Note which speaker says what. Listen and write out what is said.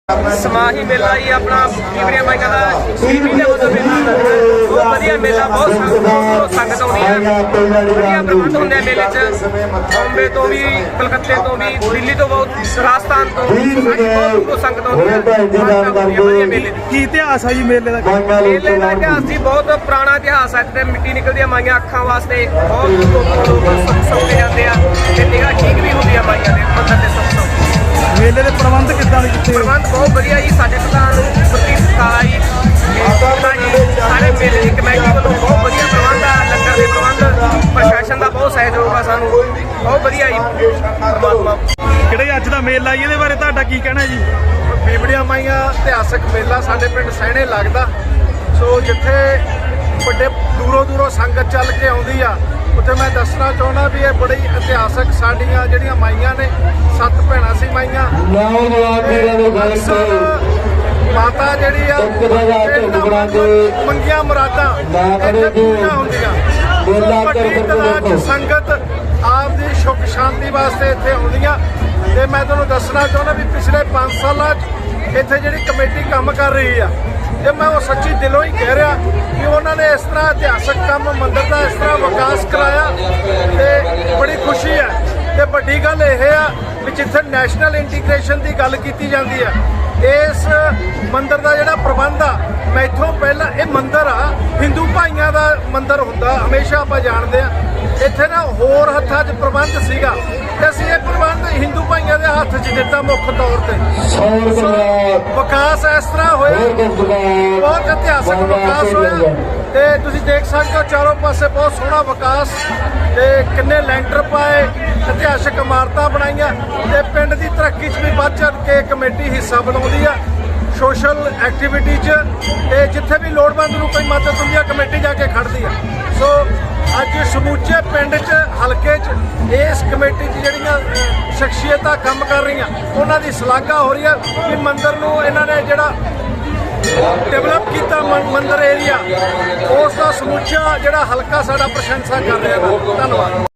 Speaker 1: समाही मेला ही अपना पीवड़िया माइया का 6 महीने मतलब मेला बहुत वधिया मेला बहुत संगत आउंदी है वधिया प्रबंध होंगे मेले च बॉम्बे तो भी कलकत्ते तो भी दिल्ली तो बहुत राजस्थान तो बहुत संगत आउंदी है वधिया मेले
Speaker 2: की इतिहास है जी मेले का
Speaker 1: इतिहास जी बहुत पुराना इतिहास है ते मिट्टी निकलदी है माइया अखां वास्ते बहुत लोग सौंपे जाते हैं ते निगाह ठीक भी होंदी है माइया दे मंदर दे सब
Speaker 2: मेले के प्रबंध कितना किते
Speaker 1: प्रबंध बहुत बढ़िया जी साडे प्रधान प्रति सत्कार जी सारे मेले की कमेटी वालों बहुत बढ़िया प्रबंध है लंगर के प्रबंध प्रशासन का बहुत सहयोग है सानू बहुत बढ़िया जी परमात्मा
Speaker 2: किहड़े अज दा मेला जी इहदे बारे तुहाडा की कहना जी
Speaker 3: पीवड़िया माइया इतिहासक मेला साडे पिंड सैणे लगदा सो जिथे बड़े दूरों दूरों संगत चल के आउंदी आ उत्थे मैं दसना चाहुंदा भी ये बड़ी इतिहासक साडियां जिहड़ियां माइयां ने 7 भैणां सी माइयां माता जिहड़ी आ मंगियां मुरादां इत्थे पूरीआं हुंदियां बड़ी तादाद च संगत आपदी सुख शांति वास्ते इत्थे आउंदियां ते मैं तुहानूं दसना चाहुंदा भी पिछले 5 सालां च इत्थे जिहड़ी कमेटी काम कर रही आ जे मैं वो सच्ची दिलों ही कह रहा कि उन्होंने इस तरह इतिहासक काम मंदिर का इस तरह विकास कराया तो बड़ी खुशी है तो बड़ी गल यह है कि जिथे नैशनल इंटीग्रेशन की गल की जाती है इस मंदिर का जोड़ा प्रबंध आ मैथों पहला ये मंदिर आ हिंदू भाइयों का मंदिर होंदा हमेशा आप जानते हैं इत्थे ना होर हत्थां 'च प्रबंध सीगा ते असीं ये प्रबंध हिंदू भाइयों के हत्थ 'च दिता मुख तौर पर विकास इस तरह होया बहुत इतिहासक विकास होया ते तुसीं देख सकते हो चारों पासे बहुत सोहना विकास ते किन्ने लैंटर पाए इतिहासक इमारतां बनाईयां ते पिंड की तरक्की च भी वध चढ़ के कमेटी हिस्सा बनाउंदी आ सोशल एक्टिविटी च ते जिथे भी लोड़वंद नूं कोई मदद हुंदी आ कमेटी जाके खड़दी आ सो अज समूचे पिंड च हलके च इस कमेटी च जिहड़ियां शख्सियतां काम कर रही उन्हां दी सलाघा हो रही है कि मंदिर नूं इन्हां ने जिहड़ा डेवलप किया मंदिर एरिया उसका समूचा जिहड़ा हलका साडा प्रशंसा कर रहा है। धन्यवाद।